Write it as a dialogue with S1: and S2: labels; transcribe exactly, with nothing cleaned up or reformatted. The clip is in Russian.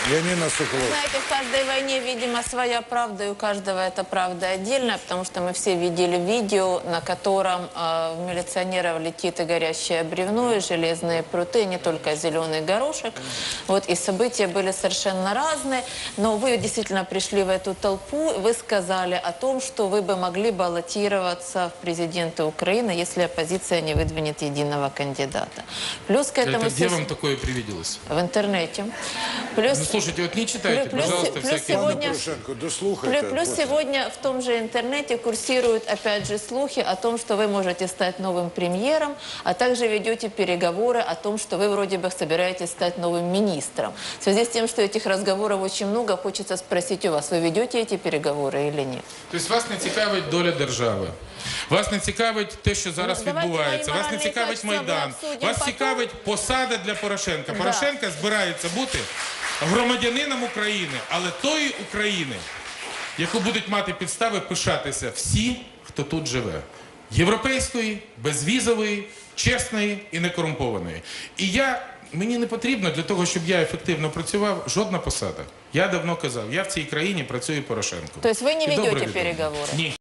S1: Янина Соколова.
S2: Знаете, в каждой войне, видимо, своя правда, и у каждого эта правда отдельная, потому что мы все видели видео, на котором э, в милиционеров летит и горящее бревно, и железные пруты, и не только зеленый горошек. Вот, и события были совершенно разные, но вы действительно пришли в эту толпу, вы сказали о том, что вы бы могли баллотироваться в президенты Украины, если оппозиция не выдвинет единого кандидата. Плюс к этому...
S3: Это где вам такое привиделось?
S2: В интернете. Плюс...
S3: Ну, слушайте, вот не читайте,
S2: Плюс-
S3: пожалуйста,
S2: плюс
S3: всякие...
S2: сегодня-
S1: Порошенко,
S2: Плюс,
S1: дослухайте.
S2: плюс сегодня в том же интернете курсируют опять же слухи о том, что вы можете стать новым премьером, а также ведете переговоры о том, что вы вроде бы собираетесь стать новым министром. В связи с тем, что этих разговоров очень много, хочется спросить у вас, вы ведете эти переговоры или нет?
S3: Тобто вас не цікавить доля держави, вас не цікавить те, що зараз
S2: Ну, давайте
S3: відбувається,
S2: мої
S3: вас не
S2: моральні
S3: цікавить
S2: качества ми
S3: Майдан,
S2: обсудимо
S3: вас
S2: потім.
S3: цікавить посада для Порошенка.
S2: Да.
S3: Порошенко збирається бути громадянином України, але тої України, яку будуть мати підстави пишатися всі, хто тут живе. Європейської, безвізової, чесної і некорумпованої. І я, мені не потрібно для того, щоб я ефективно працював, жодна посада. Я давно казав, я в цій країні працюю Порошенко.
S2: То есть вы не
S3: І добре
S2: ведете
S3: відомо.
S2: переговоры?
S3: Ні.